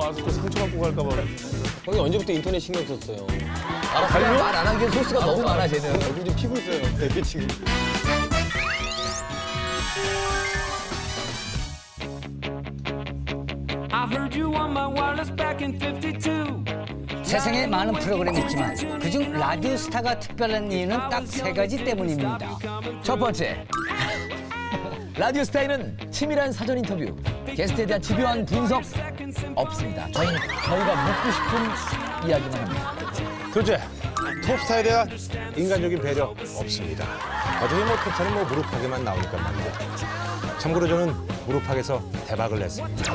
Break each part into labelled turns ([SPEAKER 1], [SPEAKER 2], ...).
[SPEAKER 1] 나와서 또 상처받고 갈까 봐.
[SPEAKER 2] 형이 언제부터 인터넷 신경 썼어요?
[SPEAKER 3] 그냥 말안 하기엔 소스가 너무 많아, 쟤는.
[SPEAKER 2] 얼굴 좀 피고 있어요. 되게 지금.
[SPEAKER 4] I heard you on my wireless back in 52.
[SPEAKER 5] 세상에 많은 프로그램이 있지만 그중 라디오 스타가 특별한 이유는 딱 세 가지 때문입니다.
[SPEAKER 3] 첫 번째. 라디오 스타일은 치밀한 사전 인터뷰, 게스트에 대한 집요한 분석 없습니다. 저희가 묻고 싶은 이야기만 합니다.
[SPEAKER 6] 둘째, 톱스타에 대한 인간적인 배려 없습니다. 어차피 뭐 톱스타는 뭐 무릎팍에만 나오니까 말이죠. 참고로 저는 무릎팍에서 대박을 냈습니다.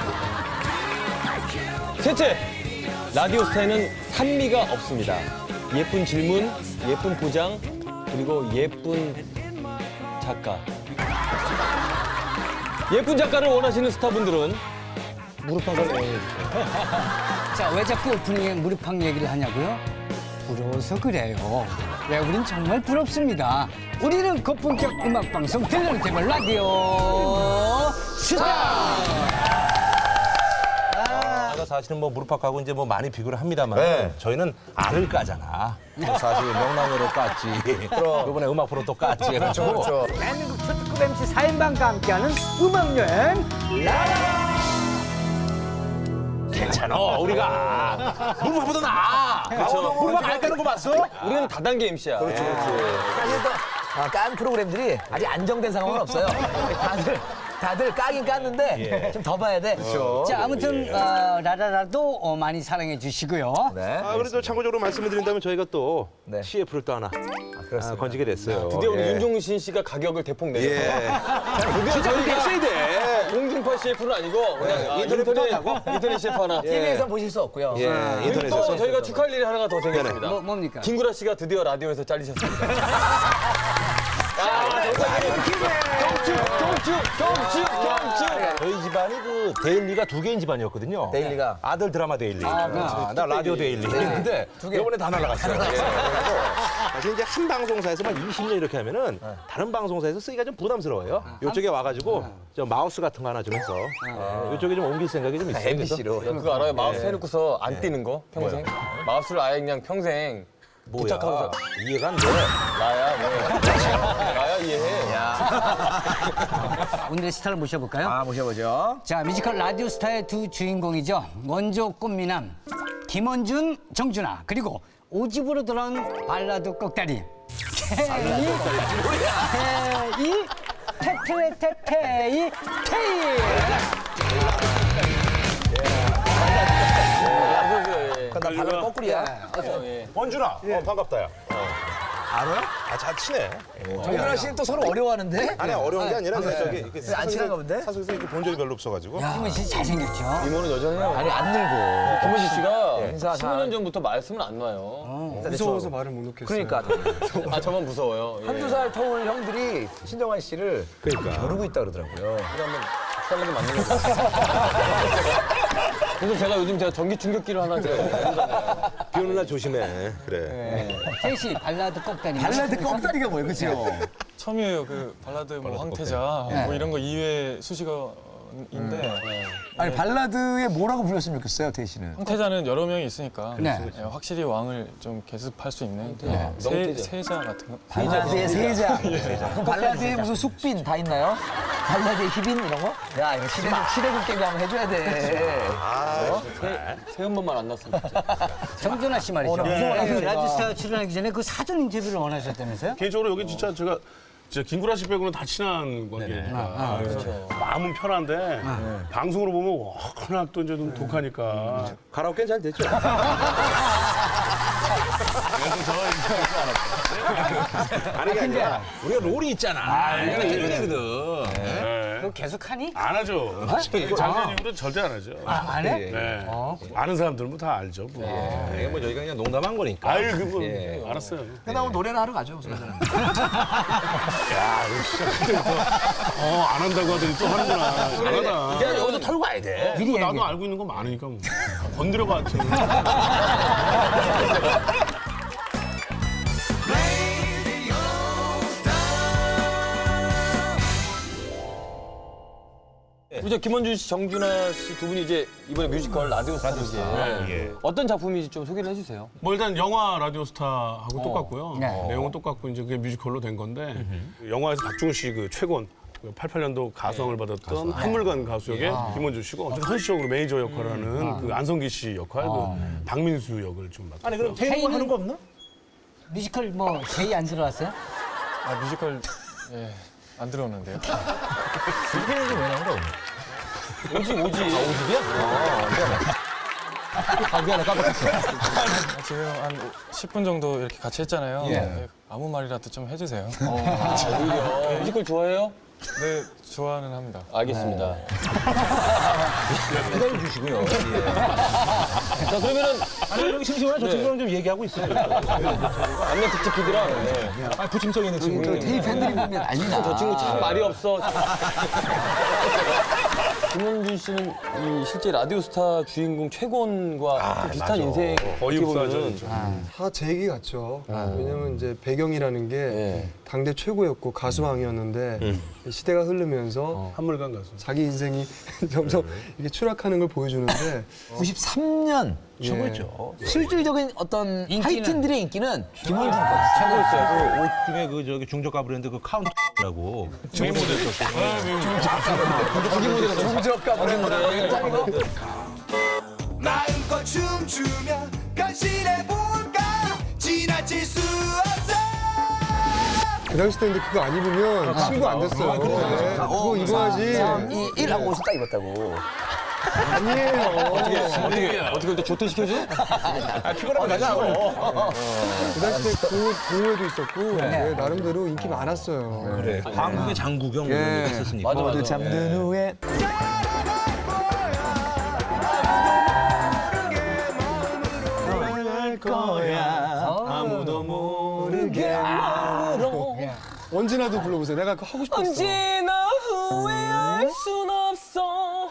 [SPEAKER 2] 셋째, 라디오 스타에는 산미가 없습니다. 예쁜 질문, 예쁜 포장, 그리고 예쁜 작가. 예쁜 작가를 원하시는 스타분들은 무릎팍을 애용해주세요.
[SPEAKER 5] 자, 왜 자꾸 오프닝에 무릎팍 얘기를 하냐고요? 부러워서 그래요. 왜 우린 정말 부럽습니다. 우리는 고품격 음악방송 들려는 개발 라디오 스타!
[SPEAKER 6] 사실은 뭐 무릎팍하고 이제 뭐 많이 비교를 합니다만 저희는 알을 까잖아. 사실 명랑으로 깠지. 이번에 음악 프로 또 깠지. 그렇죠.
[SPEAKER 5] 대한민국 초특급 MC 4인방과 함께하는 음악여행
[SPEAKER 6] 괜찮아. 우리가 무릎팍보다 나아. 그렇죠. 무릎팍 알 까는 거 봤어?
[SPEAKER 2] 우리는 다단계 MC야.
[SPEAKER 3] 사실 또 깐 프로그램들이 아직 안정된 상황은 없어요. 다들 까긴 깠는데 좀 더 봐야 돼.
[SPEAKER 5] 자, 아무튼 라라라도 많이 사랑해 주시고요.
[SPEAKER 3] 네.
[SPEAKER 6] 그래도 참고적으로 말씀을 드린다면 저희가 또
[SPEAKER 3] 네.
[SPEAKER 6] CF를 또 하나 건지게 됐어요.
[SPEAKER 2] 드디어 우리
[SPEAKER 6] 예.
[SPEAKER 2] 윤종신 씨가 가격을 대폭 내서
[SPEAKER 6] 예.
[SPEAKER 2] 드디어 저희가
[SPEAKER 6] 써야 돼.
[SPEAKER 2] 공중파 CF는 아니고 그냥 인터넷 CF 하나.
[SPEAKER 3] TV에서 보실 수 없고요.
[SPEAKER 6] 예,
[SPEAKER 2] 그리고
[SPEAKER 6] 인터넷에서.
[SPEAKER 2] 또 저희가 축하할 일이 하나가 더 생겼습니다.
[SPEAKER 5] 뭡니까?
[SPEAKER 2] 김구라 씨가 드디어 라디오에서 잘리셨습니다. 경축.
[SPEAKER 6] 저희 집안이 그 데일리가 두 개인 집안이었거든요.
[SPEAKER 3] 데일리가.
[SPEAKER 6] 아들 드라마 데일리.
[SPEAKER 3] 그렇지.
[SPEAKER 6] 나 라디오 데일리. 근데 이번에 다 날라갔어요. 그래서 사실 이제 한 방송사에서만 20년 이렇게 하면은 다른 방송사에서 쓰기가 좀 부담스러워요. 이쪽에 와가지고 저 마우스 같은 거 하나 좀 해서 이쪽에 좀 옮길 생각이 좀 있어요.
[SPEAKER 3] MBC로.
[SPEAKER 2] 그거 알아요? 마우스 해놓고서 안 뛰는 거 평생. 마우스를 아예 그냥 평생 부착하고서
[SPEAKER 6] 이해가 안 돼.
[SPEAKER 2] 나야 뭐. 나야 이해해.
[SPEAKER 5] 오늘의 스타를 모셔볼까요?
[SPEAKER 3] 모셔보죠.
[SPEAKER 5] 자, 뮤지컬 라디오 스타의 두 주인공이죠. 원조 꽃미남 김원준, 정준하, 그리고 오집으로 돌아온 발라드 꼭다리 테테테테이 테이.
[SPEAKER 3] 나 발로 거꾸리야.
[SPEAKER 6] 원준아, 반갑다, 야. 알아요? 잘 치네.
[SPEAKER 3] 정준하 씨는 또 서로 어려워하는데?
[SPEAKER 6] 아니, 어려운 게 아니라 저기
[SPEAKER 3] 안 친한가 본데?
[SPEAKER 6] 사석에서 이렇게 본 적이 별로 없어가지고.
[SPEAKER 5] 김원 씨 잘생겼죠?
[SPEAKER 2] 이모는 여전해요.
[SPEAKER 3] 아니 안 늘고.
[SPEAKER 2] 김원식 씨가
[SPEAKER 3] 인사 잘.
[SPEAKER 2] 15년 전부터 말씀을 안 놔요.
[SPEAKER 1] 무서워서 말을 못 놓겠어요.
[SPEAKER 3] 그러니까
[SPEAKER 2] 아 저만 무서워요. 예.
[SPEAKER 3] 한두 살 터울 형들이 신정환 씨를
[SPEAKER 6] 그러니까.
[SPEAKER 3] 겨루고 있다 그러더라고요.
[SPEAKER 2] 한번 박살나게 만든 거죠. 그래서 제가 요즘 전기 충격기를 하나 제가
[SPEAKER 6] 비 오는 날 조심해. 그래.
[SPEAKER 5] 태희 씨 발라드 꼭다리.
[SPEAKER 3] 꺽다리가 뭐예요, 그죠?
[SPEAKER 1] 처음이에요. 그 발라드 뭐 황태자 뭐 이런 거 이외 수식어인데
[SPEAKER 3] 아니 발라드에 뭐라고 불렀으면 좋겠어요, 태희 씨는?
[SPEAKER 1] 황태자는 여러 명이 있으니까
[SPEAKER 5] 네.
[SPEAKER 1] 예, 확실히 왕을 좀 계습할 수 있는
[SPEAKER 2] 명태자.
[SPEAKER 1] 세자 같은 거.
[SPEAKER 3] 발라드의 세자. 그럼 발라드에 무슨 숙빈 다 있나요? 발라드의 희빈 이런 거? 야 이거 시대국 깨비 한번 해줘야 돼.
[SPEAKER 2] 새 음반만 안 났으면 진짜.
[SPEAKER 5] 정준하 씨 말이죠.
[SPEAKER 3] 무서워요,
[SPEAKER 5] 그
[SPEAKER 3] 제가.
[SPEAKER 5] 라디오 스타 출연하기 전에 그 사전 인터뷰를 원하셨다면서요?
[SPEAKER 7] 개인적으로 여기 진짜 제가 김구라 씨 빼고는 다 친한 관계니까 그래서 마음은 편한데 방송으로 보면 워낙 또 이제 좀 독하니까
[SPEAKER 6] 가라오케는 잘 됐죠? 아니, 그게 아니라 우리가 롤이 있잖아. 우리가 일본이거든.
[SPEAKER 5] 그거 계속 하니?
[SPEAKER 7] 안 하죠. 작년 이후로 절대 안 하죠.
[SPEAKER 5] 안 해?
[SPEAKER 7] 네. 아는 사람들은 뭐 다 알죠. 뭐.
[SPEAKER 6] 이게 뭐 저희가 그냥 농담한 거니까.
[SPEAKER 7] 아유 그거 알았어요.
[SPEAKER 3] 끝나고 노래나 하러 가죠. 무슨
[SPEAKER 7] 안 한다고 하더니 또 하는구나. 잘하다.
[SPEAKER 6] 이제 여기서 털고 와야 돼.
[SPEAKER 5] 미리
[SPEAKER 7] 나도
[SPEAKER 5] 얘기해.
[SPEAKER 7] 알고 있는 거 많으니까 뭐. 건드려봐.
[SPEAKER 2] 그죠? 김원준 씨, 정준하 씨 두 분이 이제 이번에 뮤지컬 라디오스타에
[SPEAKER 7] 예.
[SPEAKER 2] 어떤 작품인지 좀 소개를 해주세요.
[SPEAKER 7] 뭐 일단 영화 라디오스타하고 똑같고요.
[SPEAKER 5] 네.
[SPEAKER 7] 내용은 똑같고 이제 그게 뮤지컬로 된 건데 영화에서 박중훈 씨 그 최곤 88년도 가수왕을 받았던 한물간 가수 역의 김원준 씨고 어쨌든 현실적으로 매니저 역할을 하는 그 안성기 씨 역할, 그 박민수 역을 좀 맡았고요.
[SPEAKER 6] 아니 그럼 태용은 하는 거 없나?
[SPEAKER 5] 뮤지컬 뭐 제의 안 들어왔어요?
[SPEAKER 1] 아, 뮤지컬 예, 안 들어오는데요.
[SPEAKER 3] 불편해지 왜 나온 거야?
[SPEAKER 2] 오지.
[SPEAKER 3] 아, 미안해, 깜빡했어.
[SPEAKER 1] 아, 지금 한 10분 정도 이렇게 같이 했잖아요.
[SPEAKER 3] 예.
[SPEAKER 1] 예, 아무 말이라도 좀 해주세요.
[SPEAKER 2] 오히려 뮤지컬 좋아해요?
[SPEAKER 1] 네, 좋아는 합니다.
[SPEAKER 2] 알겠습니다.
[SPEAKER 3] 기다려 주시고요.
[SPEAKER 2] 자 그러면은
[SPEAKER 6] 아니 그럼 심심하면 저 친구랑 좀 얘기하고 있어요.
[SPEAKER 2] 안내 특집 PD랑
[SPEAKER 6] 아 부침성 있는 친구.
[SPEAKER 3] 테이 팬들이 보면 난리나.
[SPEAKER 2] 저 친구 참 말이 없어. 김원준 씨는 이 실제 라디오스타 주인공 최곤과 좀 비슷한 인생
[SPEAKER 7] 거의
[SPEAKER 2] 어떻게 보면은
[SPEAKER 7] 흡사하죠.
[SPEAKER 8] 다 제 얘기 같죠. 왜냐면 이제 배경이라는 게
[SPEAKER 2] 예.
[SPEAKER 8] 당대 최고였고 가수왕이었는데 시대가 흐르면서
[SPEAKER 7] 한물간 가수.
[SPEAKER 8] 자기 인생이 점점 이렇게 추락하는 걸 보여주는데
[SPEAKER 3] 93년
[SPEAKER 8] 최고죠.
[SPEAKER 3] 실질적인 어떤
[SPEAKER 5] 인기는-
[SPEAKER 3] 하이틴들의 인기는 김원준 거.
[SPEAKER 6] 최고였어요. 옷 중에 그 저기 중저가 브랜드 그 카운트라고.
[SPEAKER 7] 메인 모델이었어.
[SPEAKER 9] 마음껏 춤추며 변신해볼까 지나칠 수 없어
[SPEAKER 8] 그 당시 때 근데 그거 안 입으면 친구 안 됐어요. 네, 그거 입어야지.
[SPEAKER 3] 이 일하고 옷을 딱 입었다고.
[SPEAKER 8] 아니에요.
[SPEAKER 2] 어떻게 그때 조퇴 시켜줘?
[SPEAKER 8] 그 당시 때 동호회도 있었고 네, 나름대로 인기 많았어요.
[SPEAKER 6] 그래. 한국의 장국영
[SPEAKER 8] 예.
[SPEAKER 6] 있었으니까.
[SPEAKER 2] 맞아.
[SPEAKER 3] 잠든 후에
[SPEAKER 6] 아무도 모르게.
[SPEAKER 8] 언제나도 불러보세요. 내가 그거 하고 싶었어.
[SPEAKER 2] 언제나 후회할 순 없어.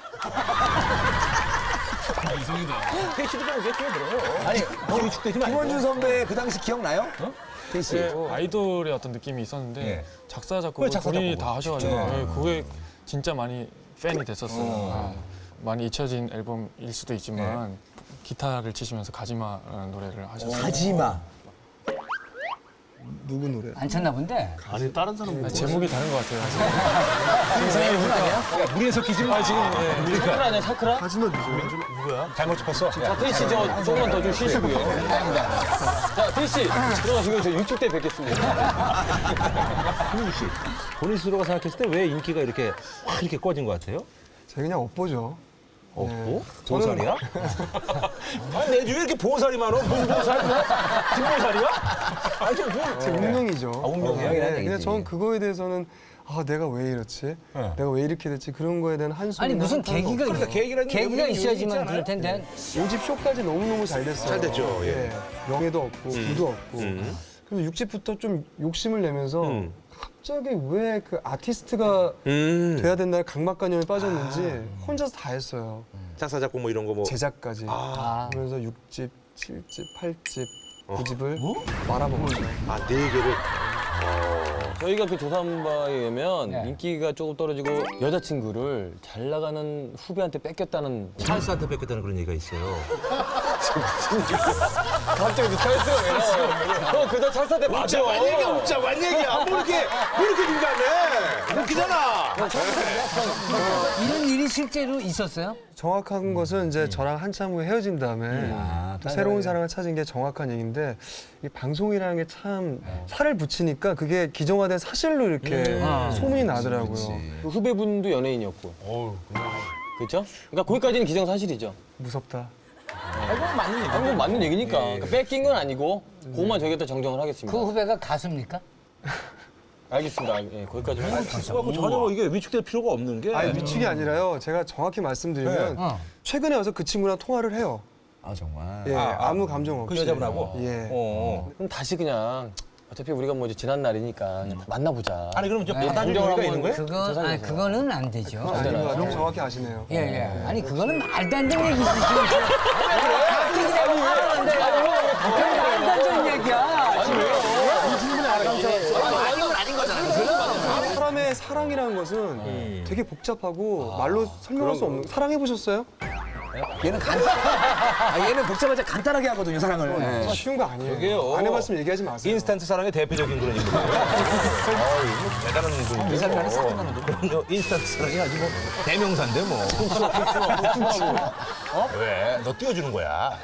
[SPEAKER 3] 아니 김원준 선배 그 당시 기억나요? 테이 씨.
[SPEAKER 1] 예, 아이돌의 어떤 느낌이 있었는데
[SPEAKER 3] 예.
[SPEAKER 1] 작사 작곡을
[SPEAKER 3] 그래, 작사,
[SPEAKER 1] 본인이
[SPEAKER 3] 작곡을.
[SPEAKER 1] 다 하셔가지고 예, 그게 진짜 많이 팬이 됐었어요. 많이 잊혀진 앨범일 수도 있지만 기타를 치시면서 가지마라는 노래를 하셨어요.
[SPEAKER 3] 가지마.
[SPEAKER 8] 누구 노래?
[SPEAKER 5] 안 쳤나 본데.
[SPEAKER 7] 아니 다른 사람
[SPEAKER 1] 아, 제목이 다른 것 같아요.
[SPEAKER 3] 물에 섞이지 마. 지금
[SPEAKER 2] 차크라 아니야 차크라?
[SPEAKER 8] 가지마 누구야?
[SPEAKER 6] 잘못 짚었어.
[SPEAKER 2] 자 태희 씨 저 조금만 더 좀 쉬시고요. 자 태희 씨 들어가시고 저 60대 뵙겠습니다.
[SPEAKER 6] 김훈 씨, 본인 스스로가 생각했을 때 왜 인기가 이렇게 확 이렇게 꺼진 것 같아요?
[SPEAKER 8] 제가 그냥 업보죠.
[SPEAKER 6] 없고? 보살이야? 아니 내 주위에 이렇게 보살이 많어? 뭔 보살이야? 김보살이야? 아니 좀 뭐.
[SPEAKER 8] 제 운명이죠.
[SPEAKER 3] 운명이야, 이런
[SPEAKER 8] 근데
[SPEAKER 3] 얘기지.
[SPEAKER 8] 저는 그거에 대해서는 아 내가 왜 이렇지? 내가 왜 이렇게 됐지? 그런 거에 대한 한숨이
[SPEAKER 5] 아니 무슨 계기가 계기가 있어야지만 그럴 텐데.
[SPEAKER 8] 5집 쇼까지 너무너무 잘 됐어요.
[SPEAKER 6] 잘 됐죠, 예.
[SPEAKER 8] 명예도 없고 부도 없고. 그래서 6집부터 좀 욕심을 내면서 갑자기 왜 그 아티스트가 돼야 된다는 강박관념에 빠졌는지 혼자서 다 했어요.
[SPEAKER 6] 작사 작곡 뭐 이런 거 뭐.
[SPEAKER 8] 제작까지. 그러면서 6집, 7집, 8집, 9집을 말아먹었어요.
[SPEAKER 6] 아, 4개를.
[SPEAKER 2] 저희가 그 조사한 바에 의하면
[SPEAKER 5] 네.
[SPEAKER 2] 인기가 조금 떨어지고 여자친구를 잘 나가는 후배한테 뺏겼다는
[SPEAKER 6] 찰스한테 뺏겼다는 그런 얘기가 있어요.
[SPEAKER 2] 갑자기 그 찰스가 왜 나와요? 그저 찰스한테 맞아.
[SPEAKER 6] 웃자, 완 얘기야. 뭐 이렇게 민감해. 웃기잖아.
[SPEAKER 5] 이런 일이 실제로 있었어요?
[SPEAKER 8] 정확한 것은 이제 저랑 한참 후에 헤어진 다음에 또 새로운 사랑을 찾은 게 정확한 얘기인데 이 방송이라는 게 참 살을 붙이니까 그게 기정화된 사실로 이렇게 소문이 나더라고요.
[SPEAKER 2] 그 후배분도 연예인이었고. 그렇죠? 그러니까 거기까지는 기정사실이죠.
[SPEAKER 8] 무섭다.
[SPEAKER 2] 뭐 맞는 얘기니까. 그러니까 뺏긴 건 아니고 그것만 저희가 또 정정을 하겠습니다.
[SPEAKER 5] 그 후배가 가수입니까?
[SPEAKER 2] 알겠습니다. 예, 거기까지만 하겠습니다.
[SPEAKER 6] 그래갖고 전혀 뭐 이게 위축될 필요가 없는 게.
[SPEAKER 8] 아니 위축이 아니라요. 제가 정확히 말씀드리면 최근에 와서 그 친구랑 통화를 해요.
[SPEAKER 3] 아 정말.
[SPEAKER 8] 예, 아무 감정 없이.
[SPEAKER 6] 그 여자분하고?
[SPEAKER 8] 예.
[SPEAKER 2] 그럼 다시 그냥 어차피 우리가 뭐 이제 지난 날이니까 그냥 만나보자.
[SPEAKER 6] 아니, 그럼 좀
[SPEAKER 5] 네.
[SPEAKER 6] 따질
[SPEAKER 2] 감정을
[SPEAKER 6] 의미가 있는
[SPEAKER 2] 한번
[SPEAKER 6] 거예요?
[SPEAKER 5] 그거 아니 그거는 안 되죠.
[SPEAKER 8] 아닌 것 같아요. 정확히 아시네요.
[SPEAKER 5] 예, 예. 아니 그거는 말도 안 되는 얘기지. 말도 안 되는 얘기야.
[SPEAKER 8] 사람의 처음에 사랑이라는 것은 되게 복잡하고 말로 설명할 수 없는. 사랑해 보셨어요?
[SPEAKER 3] 얘는 얘는 복잡하지 간단하게 하거든요, 사랑을.
[SPEAKER 8] 쉬운 거 아니에요. 안 해봤으면 얘기하지 마세요.
[SPEAKER 6] 인스턴트 사랑의 대표적인 그런 인물이에요. 대단한 분이고.
[SPEAKER 3] 이 사람이 사랑하는
[SPEAKER 6] 그런 인스턴트 사랑이 아주 뭐 대명사인데 뭐. 왜? 너 띄워주는 거야.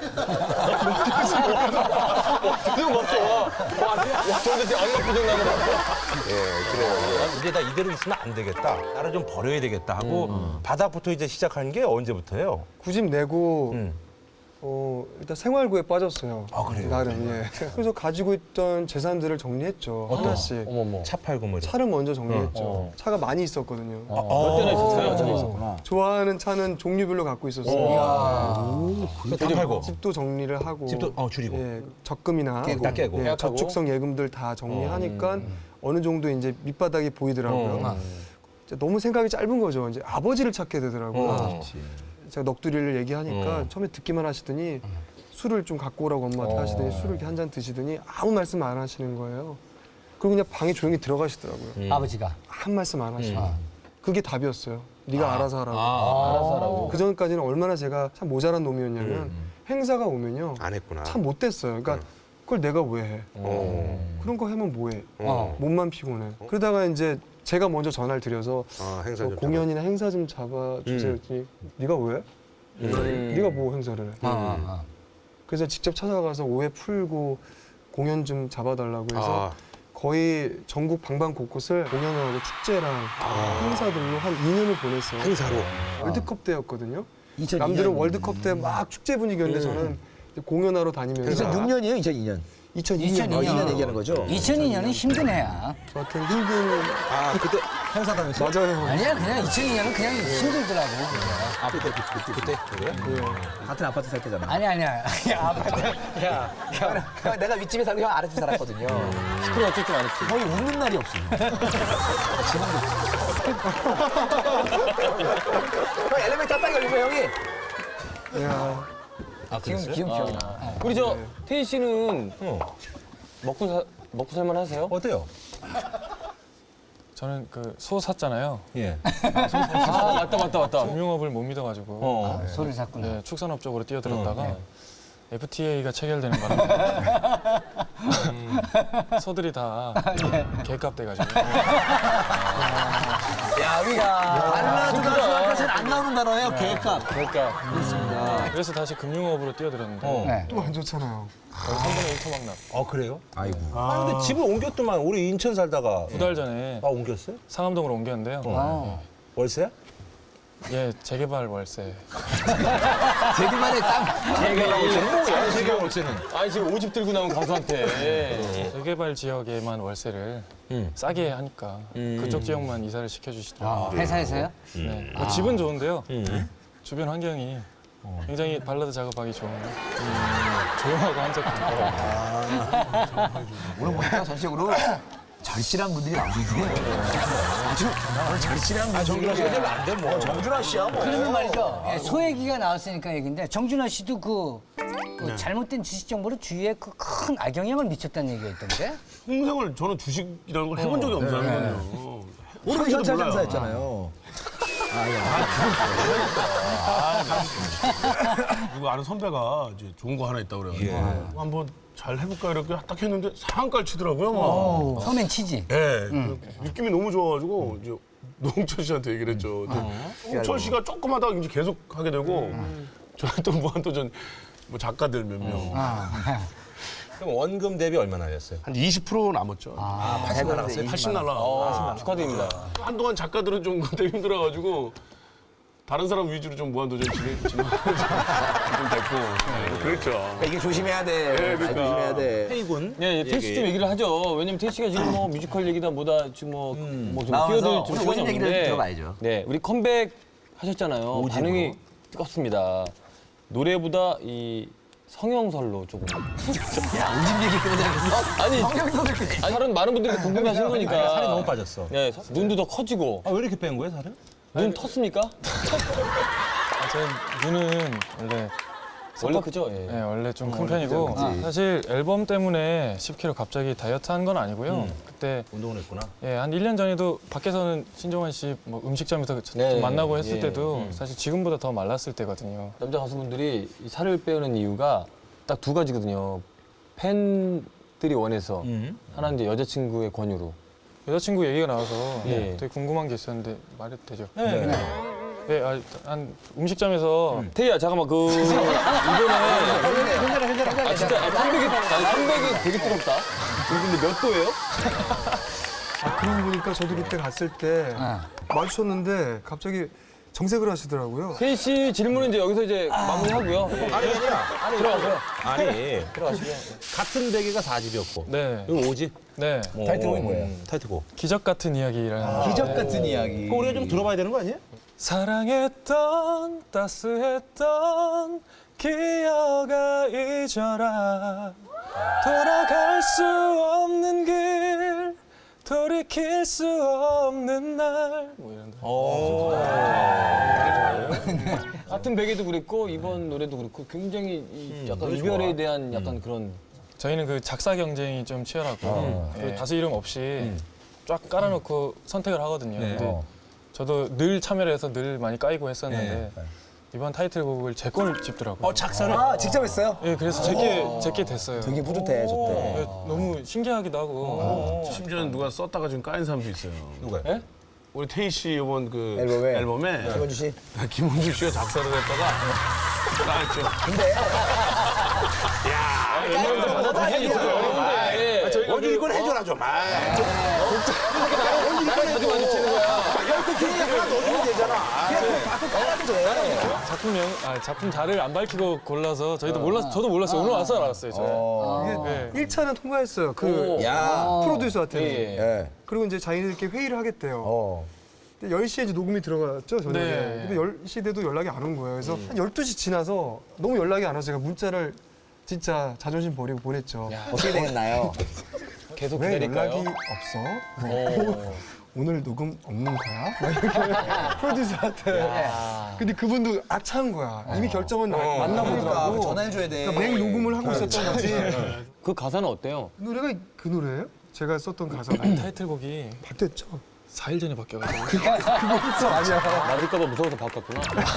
[SPEAKER 2] 그거 봤어. 와, 저한테 얼마 표정 나는 거 봤어?
[SPEAKER 6] 예, 그래요. 이제 나 이대로 있으면 안 되겠다. 나를 좀 버려야 되겠다 하고 바닥부터 이제 시작한 게 언제부터예요?
[SPEAKER 8] 구집 내고
[SPEAKER 6] 음.
[SPEAKER 8] 일단 생활고에 빠졌어요.
[SPEAKER 6] 아, 그래요?
[SPEAKER 8] 나름. 예. 그래서 가지고 있던 재산들을 정리했죠. 하나씩.
[SPEAKER 2] 어머머.
[SPEAKER 6] 차 팔고 뭐.
[SPEAKER 8] 차를 먼저 정리했죠. 차가 많이 있었거든요.
[SPEAKER 2] 몇 대나 있었어요?
[SPEAKER 8] 좋아하는 차는 종류별로 갖고 있었어요.
[SPEAKER 6] 다 팔고.
[SPEAKER 8] 집도 정리를 하고.
[SPEAKER 6] 집도 줄이고.
[SPEAKER 8] 예, 적금이나
[SPEAKER 6] 다 깨고.
[SPEAKER 8] 예,
[SPEAKER 2] 계약하고.
[SPEAKER 8] 저축성 예금들 다 정리하니까 어느 정도 이제 밑바닥이 보이더라고요. 이제 너무 생각이 짧은 거죠. 이제 아버지를 찾게 되더라고요. 제가 넋두리를 얘기하니까 처음에 듣기만 하시더니 술을 좀 갖고 오라고 엄마한테 하시더니 술을 이렇게 한 잔 드시더니 아무 말씀 안 하시는 거예요. 그리고 그냥 방에 조용히 들어가시더라고요.
[SPEAKER 5] 아버지가.
[SPEAKER 8] 한 말씀 안 하시고. 그게 답이었어요. 네가 알아서 하라고. 그 전까지는 얼마나 제가 참 모자란 놈이었냐면 행사가 오면요.
[SPEAKER 6] 안 했구나.
[SPEAKER 8] 참 못됐어요. 그러니까 그걸 내가 왜 해? 그런 거 하면 뭐해? 몸만 피곤해. 그러다가 이제 제가 먼저 전화를 드려서
[SPEAKER 6] 행사 좀
[SPEAKER 8] 공연이나 행사 좀 잡아주세요. 그랬더니 네가 왜? 네가 뭐 행사를 해? 그래서 직접 찾아가서 오해 풀고 공연 좀 잡아달라고 해서 거의 전국 방방곳곳을 공연을 하고 축제랑 행사들로 한 2년을 보냈어요.
[SPEAKER 6] 행사로.
[SPEAKER 8] 월드컵 때였거든요.
[SPEAKER 3] 2002년.
[SPEAKER 8] 남들은 월드컵 때 막 축제 분위기였는데 저는 이제 공연하러 다니면서
[SPEAKER 3] 2006년이에요, 2002년.
[SPEAKER 8] 2002년
[SPEAKER 3] 2년 얘기하는 거죠?
[SPEAKER 5] 2002년은 힘든 해야.
[SPEAKER 8] 저한테는 힘든
[SPEAKER 3] 그때 행사 다녔어요?
[SPEAKER 8] 맞아요.
[SPEAKER 5] 아니야, 그냥 2002년은 그냥 힘들더라고.
[SPEAKER 6] 그때 그래요?
[SPEAKER 3] 같은 아파트 살 때잖아.
[SPEAKER 5] 아니야. 야, 아파트.
[SPEAKER 3] 형, 내가 윗집에 살고 형 아랫집에 살았거든요.
[SPEAKER 2] 시끄러워 어쩔 줄 알았지.
[SPEAKER 3] 거의 웃는 날이 없어요. 형 엘리베이터 딱 열리고 형이
[SPEAKER 8] 야,
[SPEAKER 5] 지금 기억나.
[SPEAKER 2] 우리 저 태희 씨는 먹고 살만 하세요?
[SPEAKER 6] 어때요?
[SPEAKER 1] 저는 그 소 샀잖아요.
[SPEAKER 6] 예.
[SPEAKER 2] 아, 맞다.
[SPEAKER 1] 금융업을 못 믿어가지고
[SPEAKER 5] 소를 샀구나.
[SPEAKER 1] 네, 축산업 쪽으로 뛰어들었다가 FTA가 체결되는 바람에 소들이 다 개값 돼가지고
[SPEAKER 3] 야, 우리가 알라주가 사실 안 나오는 단어예요, 계획값.
[SPEAKER 2] 그러니까.
[SPEAKER 1] 그래서 다시 금융업으로 뛰어들었는데
[SPEAKER 5] 네.
[SPEAKER 8] 또 안 좋잖아요.
[SPEAKER 1] 3분의 1 토막납.
[SPEAKER 6] 그래요?
[SPEAKER 3] 아이고.
[SPEAKER 6] 근데 집을 옮겼더만 우리 인천 살다가
[SPEAKER 1] 2달 전에
[SPEAKER 6] 옮겼어요?
[SPEAKER 1] 상암동으로 옮겼는데요.
[SPEAKER 6] 월세야?
[SPEAKER 1] 예, 재개발 월세.
[SPEAKER 3] 제기만의 땅.
[SPEAKER 6] 제가 월세는.
[SPEAKER 2] 아니 지금 5집 들고 나온 가수한테.
[SPEAKER 1] 재개발 지역에만 월세를 싸게 하니까 그쪽 지역만 이사를 시켜주시더라고요.
[SPEAKER 5] 회사에서요?
[SPEAKER 1] 네. 집은 좋은데요. 주변 환경이 굉장히 발라드 작업하기 좋은 조용하고 한적한
[SPEAKER 3] 오늘 보니까 전체적으로 절실한 분들이 나오시네요. 아주 절실한 분들이.
[SPEAKER 6] 정준하 씨가 되면 안 돼, 뭐. 정준하 씨야, 뭐.
[SPEAKER 5] 그러면 말이죠. 예, 소 얘기가 나왔으니까 얘기인데 정준하 씨도 그
[SPEAKER 6] 네.
[SPEAKER 5] 잘못된 주식 정보로 주위에 그 큰 악영향을 미쳤다는 얘기가 있던데.
[SPEAKER 7] 평생을 저는 주식이라는 걸 해본 적이 없어요. 거든요.
[SPEAKER 3] 오늘 현찰 장사했잖아요.
[SPEAKER 7] 누구 아는 선배가 이제 좋은 거 하나 있다고 그래가지고 한번 잘 해볼까 이렇게 딱 했는데 상한가를 치더라고요. 막.
[SPEAKER 5] 처음엔 치지.
[SPEAKER 7] 예, 그 느낌이 너무 좋아가지고 이제 노홍철 씨한테 얘기를 했죠. 노홍철 씨가 조금 하다가 이제 계속 하게 되고 저는 또 무한도전 뭐 작가들 몇 명.
[SPEAKER 6] 그럼 원금 대비 얼마나 됐어요?
[SPEAKER 7] 한 20% 남았죠.
[SPEAKER 6] 80 날아갔어요?
[SPEAKER 7] 80 날라.
[SPEAKER 2] 축하드립니다.
[SPEAKER 7] 한동안 작가들은 좀 그때 힘들어가지고 다른 사람 위주로 좀 무한도전 진행 좀 됐고. 그렇죠.
[SPEAKER 3] 그러니까 이게 조심해야 돼.
[SPEAKER 7] 그러니까.
[SPEAKER 3] 조심해야 돼.
[SPEAKER 6] 태희군.
[SPEAKER 2] 네, 태희 씨 좀 얘기를 하죠. 왜냐면 태희 씨가 지금 뭐 뮤지컬 얘기다 뭐다 지금 좀
[SPEAKER 3] 나와서
[SPEAKER 2] 뛰어들 좀
[SPEAKER 3] 오늘
[SPEAKER 2] 시간이
[SPEAKER 3] 오신 얘기를
[SPEAKER 2] 없는데.
[SPEAKER 3] 들어봐야죠.
[SPEAKER 2] 네, 우리 컴백 하셨잖아요. 반응이 뜨겁습니다. 노래보다 이 성형설로 조금.
[SPEAKER 3] 오집 얘기 때문에
[SPEAKER 2] 아니, 다른 많은 분들이 궁금해하시는 거니까.
[SPEAKER 6] 살이 너무 빠졌어.
[SPEAKER 2] 네, 눈도 더 커지고.
[SPEAKER 6] 왜 이렇게 뺀 거예요, 살을?
[SPEAKER 2] 눈 텄습니까?
[SPEAKER 1] 제 눈은 원래
[SPEAKER 2] 원래 크죠? 예.
[SPEAKER 1] 네, 원래 좀 큰 편이고 사실 앨범 때문에 10kg 갑자기 다이어트 한 건 아니고요. 그때
[SPEAKER 6] 운동을 했구나.
[SPEAKER 1] 예, 한 1년 전에도 밖에서는 신종환 씨 뭐 음식점에서
[SPEAKER 2] 네,
[SPEAKER 1] 좀 만나고 했을
[SPEAKER 2] 예.
[SPEAKER 1] 때도 사실 지금보다 더 말랐을 때거든요.
[SPEAKER 2] 남자 가수분들이 이 살을 빼는 이유가 딱 두 가지거든요. 팬들이 원해서 하나는 이제 여자친구의 권유로.
[SPEAKER 1] 여자친구 얘기가 나와서
[SPEAKER 2] 예.
[SPEAKER 1] 되게 궁금한 게 있었는데 말해도 되죠?
[SPEAKER 2] 네.
[SPEAKER 1] 네, 한 음식점에서
[SPEAKER 2] 태희야 잠깐만 이번에
[SPEAKER 3] 괜찮아.
[SPEAKER 2] 아 진짜 300이 되게 뜨겁다. 근데 몇 도예요?
[SPEAKER 8] 그러고 보니까 저도 그때 갔을 때 마주쳤는데 갑자기 정색을 하시더라고요.
[SPEAKER 2] 태희 씨 질문은 이제 여기서 이제 마무리하고요.
[SPEAKER 6] 아니 아니야.
[SPEAKER 2] 들어가세요.
[SPEAKER 6] 아니
[SPEAKER 2] 들어가시고요.
[SPEAKER 6] 같은 베개가 4집이었고
[SPEAKER 1] 네,
[SPEAKER 6] 이거 5집.
[SPEAKER 1] 네
[SPEAKER 6] 타이틀곡이 뭐예요? 타이틀곡.
[SPEAKER 1] 기적 같은 이야기라는
[SPEAKER 3] 기적 같은 이야기.
[SPEAKER 6] 그거 우리가 좀 들어봐야 되는 거 아니에요?
[SPEAKER 1] 사랑했던 따스했던 기억아 잊어라 돌아갈 수 없는 길 돌이킬 수 없는 날 뭐 이런
[SPEAKER 2] 같은 베개도 그랬고 이번 노래도 그렇고 굉장히 이 약간 이별에 대한 약간 그런
[SPEAKER 1] 저희는 그 작사 경쟁이 좀 치열하고 그 가수 이름 없이 쫙 깔아놓고 선택을 하거든요. 근데 저도 늘 참여를 해서 늘 많이 까이고 했었는데 이번 타이틀곡을 제 걸 집더라고요.
[SPEAKER 6] 작사를.
[SPEAKER 3] 아, 직접 했어요?
[SPEAKER 1] 예, 그래서 제게 됐어요.
[SPEAKER 3] 되게 뿌듯해, 좋대.
[SPEAKER 1] 예, 너무 신기하기도 하고.
[SPEAKER 7] 심지어는 누가 썼다가 지금 까인 사람도 있어요.
[SPEAKER 6] 누가요?
[SPEAKER 2] 예?
[SPEAKER 7] 우리 태희 씨 이번 그
[SPEAKER 3] 앨범에?
[SPEAKER 7] 앨범에
[SPEAKER 3] 김원주 씨.
[SPEAKER 7] 김원주 씨가 작사를 했다가 까였죠.
[SPEAKER 6] 원주 이걸 해줘라 좀. 원주 이걸 해줘. 하나 넣어주면 되잖아.
[SPEAKER 1] 작품 자를 안 밝히고 골라서 저희도 저도 몰랐어요. 오늘 와서 알았어요. 저.
[SPEAKER 8] 이게 1차는 통과했어요. 그 프로듀서한테.
[SPEAKER 2] 예.
[SPEAKER 3] 예.
[SPEAKER 8] 그리고 이제 자기들끼리 회의를 하겠대요. 근데 10시에 이제 녹음이 들어갔죠, 저녁에.
[SPEAKER 1] 네.
[SPEAKER 8] 근데 10시 돼도 연락이 안 온 거예요. 그래서 한 12시 지나서 너무 연락이 안 와서 제가 문자를 진짜 자존심 버리고 보냈죠.
[SPEAKER 3] 어떻게 되겠나요?
[SPEAKER 2] 계속
[SPEAKER 8] 왜
[SPEAKER 2] 기다릴까요?
[SPEAKER 8] 연락이 없어? 오늘 녹음 없는 거야? 막 이렇게 프로듀서한테. 근데 그분도 악차한 거야. 이미 결정은 만나보더라고.
[SPEAKER 3] 전화해줘야 돼.
[SPEAKER 8] 그러니까 맹 녹음을 하고 있었던 거지.
[SPEAKER 2] 그 가사는 어때요?
[SPEAKER 8] 그 노래가 그 노래예요? 제가 썼던 가사가
[SPEAKER 1] 타이틀곡이
[SPEAKER 8] 바뀌었죠.
[SPEAKER 1] 4일 전에 바뀌어가지고.
[SPEAKER 2] 맞을까봐 무서워서 바꿨구나.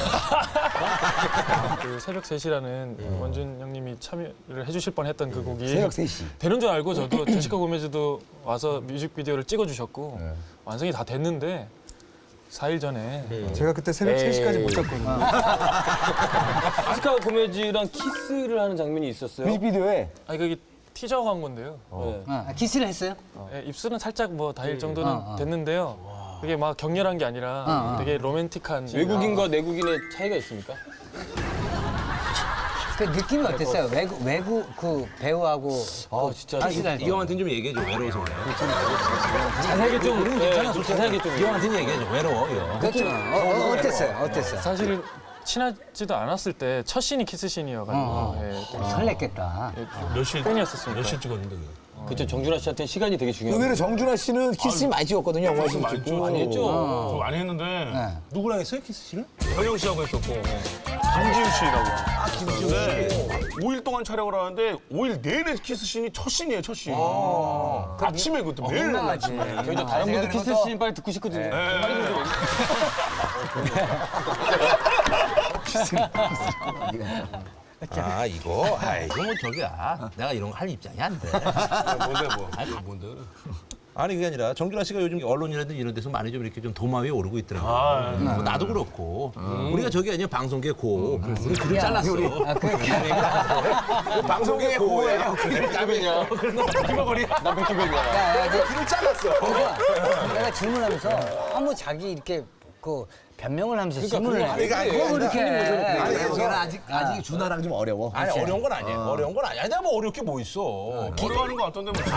[SPEAKER 1] 그 새벽 3시라는 원준 형님이 참여를 해주실 뻔했던 그 곡이
[SPEAKER 3] 새벽 3시.
[SPEAKER 1] 되는 줄 알고 저도 제시카 고메즈도 와서 뮤직비디오를 찍어주셨고 완성이 다 됐는데 4일 전에
[SPEAKER 8] 제가 그때 새벽 3시까지 못 잤거든요.
[SPEAKER 2] 제시카 고메즈랑 키스를 하는 장면이 있었어요.
[SPEAKER 3] 뮤직비디오에
[SPEAKER 1] 아니 그게 티저 광고인데요.
[SPEAKER 2] 네.
[SPEAKER 5] 키스를 했어요?
[SPEAKER 1] 예, 입술은 살짝 뭐 닿을 정도는 됐는데요. 그게 막 격렬한 게 아니라 되게 로맨틱한
[SPEAKER 2] 외국인과 내국인의 차이가 있습니까?
[SPEAKER 5] 그 느낌이 어땠어요? 외국 그 배우하고
[SPEAKER 2] 진짜
[SPEAKER 6] 이 형한테는 좀 얘기해줘. 외로워서 그래.
[SPEAKER 2] 자세하게 좀 자세하게 좀
[SPEAKER 6] 이 형한테는 얘기해줘. 외로워. 이 형.
[SPEAKER 5] 그렇죠. 어땠어요?
[SPEAKER 1] 사실은 친하지도 않았을 때 첫 씬이 키스 씬이어가지고 예, 되게
[SPEAKER 5] 설렜겠다.
[SPEAKER 7] 몇 시?
[SPEAKER 1] 팬이었었으니까.
[SPEAKER 7] 몇 시 찍었는데 그거?
[SPEAKER 2] 그쵸 정준하 씨한테 시간이 되게 중요해요.
[SPEAKER 3] 의외로 정준하 씨는 키스 많이 찍었거든요, 영화에서
[SPEAKER 7] 많이
[SPEAKER 3] 찍고.
[SPEAKER 2] 많이 했죠.
[SPEAKER 7] 저 많이 했는데
[SPEAKER 6] 누구랑 했어요 키스씨를?
[SPEAKER 7] 현영 씨하고 했었고 김지우 씨라고. 김지우 5일 동안 촬영을 하는데 5일 내내 키스씬이 첫 씬이에요, 첫 씬. 아침에 그것도 매일
[SPEAKER 5] 민망하지.
[SPEAKER 2] 저희도 다른 분들 키스 씬 빨리 듣고 싶거든요.
[SPEAKER 6] 아 이거 뭐 저기야. 내가 이런 거 할 입장이 안 돼.
[SPEAKER 7] 뭔데 뭐? 뭔데 그래?
[SPEAKER 6] 아니 그게 아니라 정준하 씨가 요즘 언론이라든지 이런 데서 많이 좀 이렇게 좀 도마 위에 오르고 있더라고요. 뭐 나도 그렇고 우리가 저기 아니야 방송계 고. 우리 귀를 잘랐어. 방송계 고예요.
[SPEAKER 2] 남이냐? 나 백두백이야.
[SPEAKER 6] 귀를 잘랐어.
[SPEAKER 5] 내가 질문하면서 한번 자기 이렇게 그 변명을 하면서 질문을 해.
[SPEAKER 6] 그러니까
[SPEAKER 5] 뭐 이렇게 해.
[SPEAKER 3] 아니, 여기는 아직 준하랑 좀 어려워.
[SPEAKER 6] 아니 어려운 건 아니에요. 어려운 건 아니야. 내가 뭐 어려울 게 뭐 있어.
[SPEAKER 7] 어려워하는 거 같던데 뭐.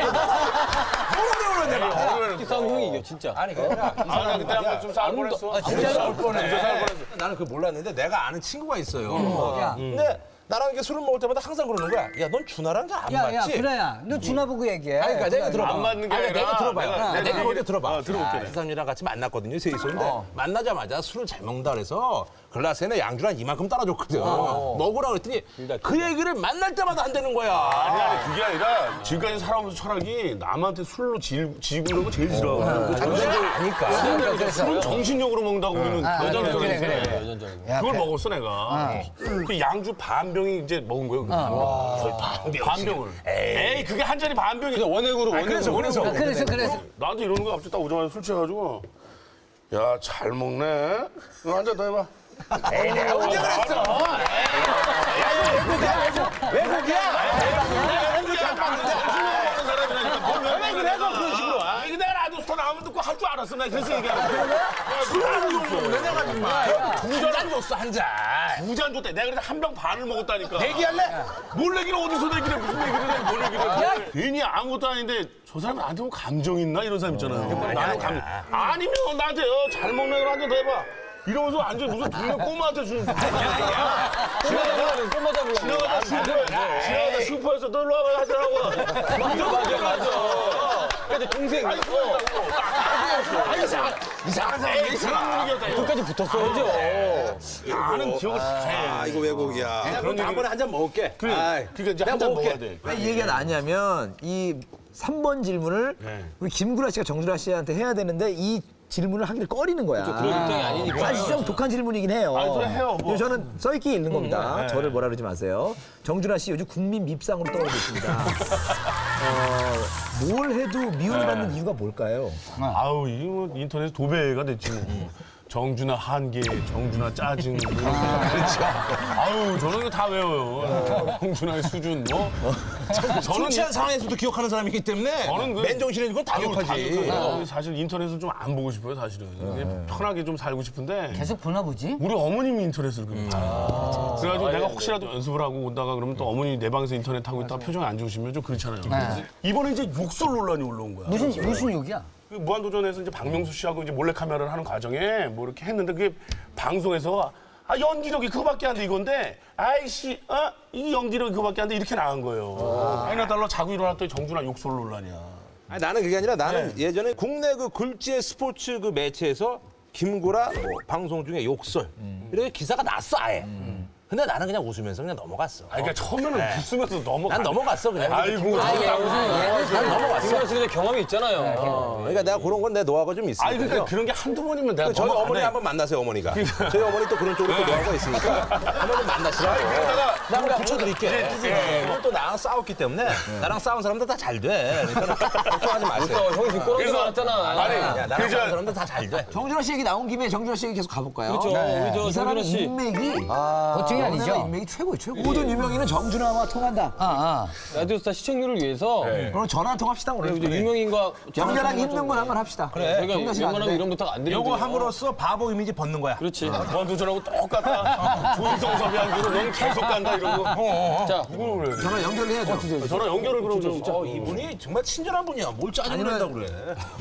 [SPEAKER 2] 싸움 형이 이겨 진짜.
[SPEAKER 6] 아니 그게 아니라
[SPEAKER 7] 나 그때 한번 좀 싸울 뻔했어.
[SPEAKER 2] 진짜로?
[SPEAKER 7] 싸울 뻔해.
[SPEAKER 6] 나는 그걸 몰랐는데 내가 아는 친구가 있어요. 근데 나랑 이렇게 술을 먹을 때마다 항상 그러는 거야. 야, 넌 준하랑 잘 안
[SPEAKER 5] 야,
[SPEAKER 6] 맞지?
[SPEAKER 5] 준하야, 너 준하 보고 얘기해.
[SPEAKER 6] 아니, 그러니까 내가 들어봐.
[SPEAKER 7] 안 맞는 게
[SPEAKER 6] 아니,
[SPEAKER 7] 아니라
[SPEAKER 6] 내가 들어봐요.
[SPEAKER 7] 내가
[SPEAKER 6] 내가 먼저 들어봐.
[SPEAKER 7] 들어볼게.
[SPEAKER 6] 이 사람이랑 같이 만났거든요, 셋이서. 근데 만나자마자 술을 잘 먹는다 그래서 글라스에는 양주를 한 이만큼 따라줬거든. 먹으라 그랬더니 그 얘기를 만날 때마다 한다는 거야.
[SPEAKER 7] 아니 그게 아니라 지금까지 살아오면서 철학이 남한테 술로 지고 이런 거 제일 싫어하거든.
[SPEAKER 6] 아니까.
[SPEAKER 7] 술은 정신력으로 먹는다고 우리는 여전적으로
[SPEAKER 5] 그래.
[SPEAKER 7] 그걸 먹었어 내가. 그 양주 반 병이 이제 먹은 거예요. 거의 반 병을. 에이 그게 한 잔이 반 병이.
[SPEAKER 2] 원액으로
[SPEAKER 7] 그래서
[SPEAKER 5] 그래서.
[SPEAKER 7] 나한테 이러는 거야. 갑자기 딱 오자마자 술 취해가지고 야 잘 먹네. 너 한 잔 더 해봐.
[SPEAKER 6] 에이, 내가 언제 그랬어?
[SPEAKER 7] 왜 그래서 그런 식으로 와? 이거 내가 라디오스타 나오면 듣고 할 줄 알았어. 나 그래서 얘기하는 술을 내가 정말 두잔 줬어 한 잔. 두 잔 줬대. 내가 그래서 한 병 반을 먹었다니까.
[SPEAKER 6] 얘기할래?
[SPEAKER 7] 뭘 얘기를 어디서 얘기를 해? 무슨 얘기를 해? 뭘 얘기를 해? 괜히 아무것도 아닌데 저 사람이 나한테 뭐 감정 있나 이런 사람 있잖아요. 나는 감정. 아니면 나한테 잘 먹는 걸 한 잔 더 해봐. 이러면서 완전 무슨 동네 꼬마한테 주는 지나가다 슈퍼에서 너 일로 와봐 하더라고. 맞아.
[SPEAKER 2] 근데 동생
[SPEAKER 7] 이상한 사람 분위기였다.
[SPEAKER 2] 끝까지 붙었어야죠.
[SPEAKER 7] 나는 기억을 다 해.
[SPEAKER 6] 이거 왜곡이야. 그럼 다음번에 한 잔 먹을게.
[SPEAKER 7] 그러니까 이제 한 잔 먹어야 돼.
[SPEAKER 3] 왜 이 얘기가 나냐면 이 3번 질문을 우리 김구라 씨가 정준하 씨한테 해야 되는데 이 질문을 하기를 꺼리는 거야.
[SPEAKER 2] 그런 입장이 아니니까.
[SPEAKER 3] 사실 좀 독한 질문이긴 해요.
[SPEAKER 7] 아니, 그래, 해요, 뭐.
[SPEAKER 3] 근데 저는 써있기 있는 겁니다. 저를 뭐라 그러지 마세요. 정준하 씨 요즘 국민 밉상으로 떠오르고 있습니다. 뭘 해도 미움받는 이유가 뭘까요?
[SPEAKER 7] 아우 이거 뭐 인터넷 도배가 됐지 뭐. 정준하 한계, 정준하 짜증. 그렇죠. 아우 저는 이거 다 외워요. 정준하의 수준 뭐.
[SPEAKER 6] 술 취한 상황에서도 기억하는 사람이기 때문에
[SPEAKER 7] 저는
[SPEAKER 6] 맨정신에 이건 다 기억하지.
[SPEAKER 7] 사실 인터넷을 좀 안 보고 싶어요 사실은. 그냥 편하게 좀 살고 싶은데.
[SPEAKER 5] 계속 보나 보지?
[SPEAKER 7] 우리 어머님이 인터넷을 봐요. 그래가지고 내가 혹시라도 연습을 하고 온다가 그러면 또 어머니 내 방에서 인터넷 하고 있다가 표정이 안 좋으시면 좀 그렇잖아요. 이번에 이제 욕설 논란이 올라온 거야.
[SPEAKER 5] 무슨 욕이야?
[SPEAKER 7] 그 무한도전에서 이제 박명수 씨하고 이제 몰래카메라를 하는 과정에 뭐 이렇게 했는데 그게 방송에서 연기력이 그거밖에 안 돼 이건데 아이씨 이 연기력이 그거밖에 안 돼 이렇게 나간 거예요. 아이나 달러 자고 일어났더니 정준하 욕설 논란이야.
[SPEAKER 6] 아니, 나는 그게 아니라 나는 예전에 국내 그 굴지의 스포츠 그 매체에서 김구라 뭐 방송 중에 욕설 이렇게 기사가 났어 아예. 근데 나는 그냥 웃으면서 그냥 넘어갔어.
[SPEAKER 7] 그러니까 처음에는 웃으면서 넘어가.
[SPEAKER 6] 난 넘어갔어 그냥.
[SPEAKER 7] 아이고.
[SPEAKER 6] 난 넘어갔어.
[SPEAKER 2] 그래서 경험이 있잖아요.
[SPEAKER 6] 그러니까 내가 그런 건 내 노하우가 좀 있으니까.
[SPEAKER 7] 아니 그러니까 그런 게 한두 번이면 내가
[SPEAKER 6] 저희
[SPEAKER 7] 넘어가네.
[SPEAKER 6] 어머니 한번 만나세요 어머니가. 저희 어머니 또 그런 쪽으로 또 노하우가 있으니까 한번 좀 만나시라고. 내가 한번 붙여드릴게. 오늘 또 나랑 싸웠기 때문에 나랑 싸운 사람들 다 잘 돼. 그러니까 걱정하지 마세요.
[SPEAKER 2] 형이 지금 꼬라지 많았잖아.
[SPEAKER 6] 야, 나랑 싸운 사람들 다 잘 돼.
[SPEAKER 3] 정준하 씨 얘기 나온 김에 정준하 씨 얘기 계속 가볼까요?
[SPEAKER 2] 그렇죠. 우리 저
[SPEAKER 3] 이 사람
[SPEAKER 2] 정준하 씨.
[SPEAKER 3] 인맥이
[SPEAKER 5] 보통이 아니죠?
[SPEAKER 3] 인맥이 최고예요, 최고. 모든 유명인은 정준하와 통한다.
[SPEAKER 2] 라디오스타 시청률을 위해서
[SPEAKER 3] 그럼 전화 통합시다 오늘.
[SPEAKER 2] 이제 유명인과
[SPEAKER 3] 정준하랑 힘든 건 한번 합시다.
[SPEAKER 2] 저희가
[SPEAKER 3] 정준하 씨는 안
[SPEAKER 2] 웬만하면
[SPEAKER 3] 돼.
[SPEAKER 2] 이런 부탁 안 드리거든요.
[SPEAKER 6] 요거 함으로써 바보 이미지 벗는 거야.
[SPEAKER 2] 그렇지.
[SPEAKER 7] 무한도전하고 똑같다. 조인성 섭외한기로 넌 계속 간다 이러고.
[SPEAKER 2] 자,
[SPEAKER 7] 누구를 그래?
[SPEAKER 3] 전화 연결해야죠.
[SPEAKER 7] 저랑 연결을 그럼 좀.
[SPEAKER 6] 이분이 정말 친절한 분이야. 뭘 짜증을 낸다고 그래.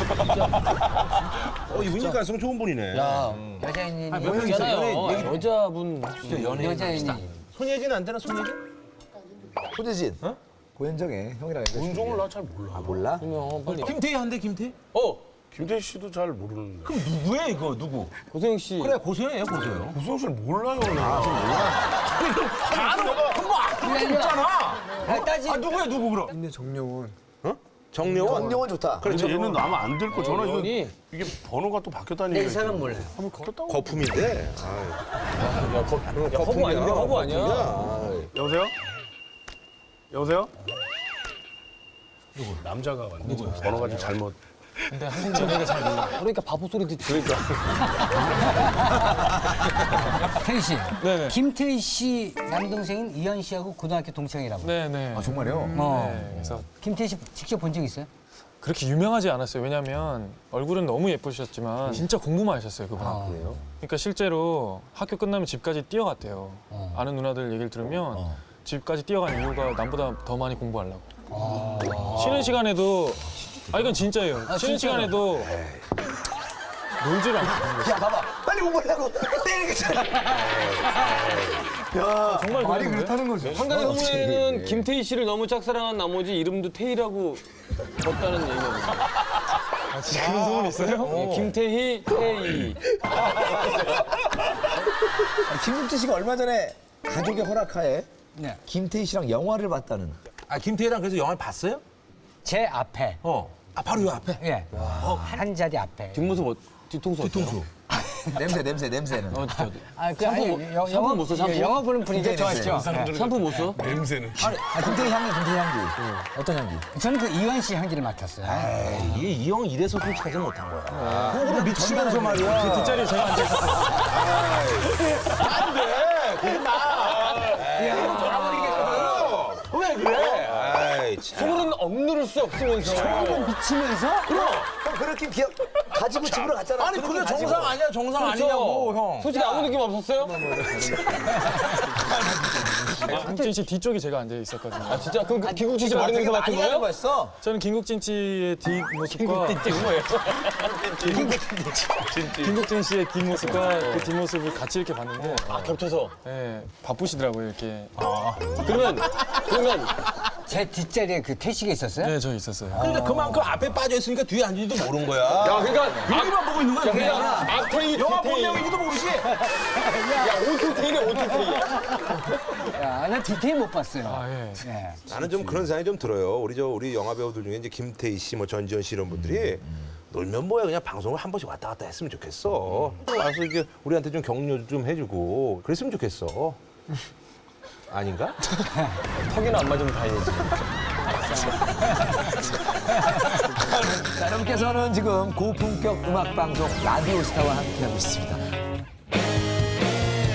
[SPEAKER 6] 이분이 가성 좋은 분이네.
[SPEAKER 5] 여자인이
[SPEAKER 2] 있잖아요. 여자분
[SPEAKER 5] 여자인이
[SPEAKER 6] 손예진 안 되나 손예진?
[SPEAKER 3] 호재진. 고현정의 형이랑 얘기해.
[SPEAKER 7] 운종을 나 잘 몰라.
[SPEAKER 3] 몰라?
[SPEAKER 2] 그러면 빨리.
[SPEAKER 6] 김태희 한대 김태희?
[SPEAKER 7] 김태희 씨도 잘 모르는데.
[SPEAKER 6] 그럼 누구야 이거 누구?
[SPEAKER 2] 고소영 씨.
[SPEAKER 6] 그래 고소영이에요 고소영.
[SPEAKER 7] 고소영 씨를 몰라요. 나.
[SPEAKER 6] 누구야 누구 그럼?
[SPEAKER 8] 근데 정려원.
[SPEAKER 6] 정려원?
[SPEAKER 3] 정려원 좋다.
[SPEAKER 7] 그렇죠. 얘는 아마 안 될 거. 전화
[SPEAKER 2] 연이.
[SPEAKER 7] 이게 번호가 또 바뀌었다는 얘기가.
[SPEAKER 5] 이 사람 몰라요.
[SPEAKER 7] 한번 바뀌었다고.
[SPEAKER 6] 거품인데.
[SPEAKER 2] 허브 아닌데 허브 아니야?
[SPEAKER 7] 여보세요? 여보세요? 누구? 남자가 왔는데 번호가 좀 잘못.
[SPEAKER 1] 근데 한국 연예가 잘 몰라.
[SPEAKER 2] 그러니까 바보 소리 들으니까.
[SPEAKER 5] 태희 씨.
[SPEAKER 1] 네네.
[SPEAKER 5] 김태희 씨 남동생인 이현 씨하고 고등학교 동창이라고.
[SPEAKER 1] 네네.
[SPEAKER 3] 정말요?
[SPEAKER 1] 네, 그래서
[SPEAKER 5] 김태희 씨 직접 본 적 있어요?
[SPEAKER 1] 그렇게 유명하지 않았어요. 왜냐면 얼굴은 너무 예쁘셨지만 진짜 공부만 하셨어요, 그분.
[SPEAKER 3] 그래요?
[SPEAKER 1] 그러니까 실제로 학교 끝나면 집까지 뛰어갔대요. 아는 누나들 얘기를 들으면 집까지 뛰어간 이유가 남보다 더 많이 공부하려고. 쉬는 시간에도 이건 진짜예요. 쉬는 시간에도 놀지를 않고.
[SPEAKER 3] 야, 봐봐. 빨리 공부하려고 때리겠잖아.
[SPEAKER 1] 야, 정말
[SPEAKER 8] 말이
[SPEAKER 1] 그랬는데?
[SPEAKER 8] 그렇다는 거죠.
[SPEAKER 2] 한간의 소문에는 김태희 씨를 너무 짝사랑한 나머지 이름도 태희라고 뒀다는 얘기입니다.
[SPEAKER 1] 진짜 그런 소문 있어요?
[SPEAKER 2] 김태희, 태희.
[SPEAKER 3] 김국진 씨가 얼마 전에 가족의 허락하에
[SPEAKER 5] 네.
[SPEAKER 3] 김태희 씨랑 영화를 봤다는.
[SPEAKER 6] 아 김태희랑 그래서 영화를 봤어요?
[SPEAKER 5] 제 앞에.
[SPEAKER 6] 아 바로 요 앞에.
[SPEAKER 5] 예. 한 자리 앞에.
[SPEAKER 2] 뒷모습 뒤통수 어때요?
[SPEAKER 3] 냄새는.
[SPEAKER 2] 진짜.
[SPEAKER 5] 영화
[SPEAKER 2] 못 써, 샴푸?
[SPEAKER 5] 영화 보는 분위기 좋아했죠.
[SPEAKER 2] 샴푸 못 써?
[SPEAKER 7] 냄새는.
[SPEAKER 3] 김태희 향기. 어떤 향기?
[SPEAKER 5] 저는 그 이완 씨 향기를 맡았어요.
[SPEAKER 6] 이게 이 형 이래서 솔직하지 못한 거야. 그거를 미치면서 말이야.
[SPEAKER 1] 그 뒷자리에 제가 앉아 있었어요.
[SPEAKER 6] 안 돼. 그만. 돌아버리겠거든. 왜 그래? 아이 참.
[SPEAKER 2] 소문은 억누를 수 없으면서.
[SPEAKER 5] 미치면서?
[SPEAKER 3] 형 그렇게 가지고 집으로 갔잖아.
[SPEAKER 6] 아니 그게 정상 아니야 정상 아니냐고 형.
[SPEAKER 2] 솔직히 아무 느낌 없었어요?
[SPEAKER 1] 김국진 씨 뒤쪽에 제가 앉아 있었거든요.
[SPEAKER 2] 아 진짜? 그럼 김국진 씨 머리 냄새 맡은 거예요?
[SPEAKER 3] 거였어.
[SPEAKER 1] 저는 김국진 씨의 뒷모습과 김국진 씨의 뒷모습과 그 뒷모습을 같이 이렇게 봤는데
[SPEAKER 2] 겹쳐서.
[SPEAKER 1] 예, 바쁘시더라고요 이렇게.
[SPEAKER 2] 그러면
[SPEAKER 5] 제 뒷자리에 그 태식이 있었어요?
[SPEAKER 1] 네, 저 있었어요.
[SPEAKER 6] 그러니까 그만큼 앞에 빠져 있으니까 뒤에 앉은지도 모르는 거야.
[SPEAKER 2] 야 그러니까
[SPEAKER 6] 여기만 보고 있는 거야. 그냥.
[SPEAKER 2] 앞태희
[SPEAKER 6] 영화 본
[SPEAKER 2] 뒤태희.
[SPEAKER 6] 내용인지도 모르지.
[SPEAKER 2] 야 오토테이네 오토테이.
[SPEAKER 5] 야, 난 디테일 못 봤어요.
[SPEAKER 1] 아 예.
[SPEAKER 5] 예.
[SPEAKER 6] 나는 좀 그런 생각이 좀 들어요. 우리 영화 배우들 중에 이제 김태희 씨, 뭐 전지현 씨 이런 분들이 놀면 뭐야 그냥 방송을 한 번씩 왔다 갔다 했으면 좋겠어. 와서 이게 우리한테 좀 격려 좀 해주고 그랬으면 좋겠어. 아닌가?
[SPEAKER 2] 턱이나 안 맞으면 다행이지.
[SPEAKER 3] 자, 여러분께서는 지금 고품격 음악 방송 라디오스타와 함께하고 있습니다.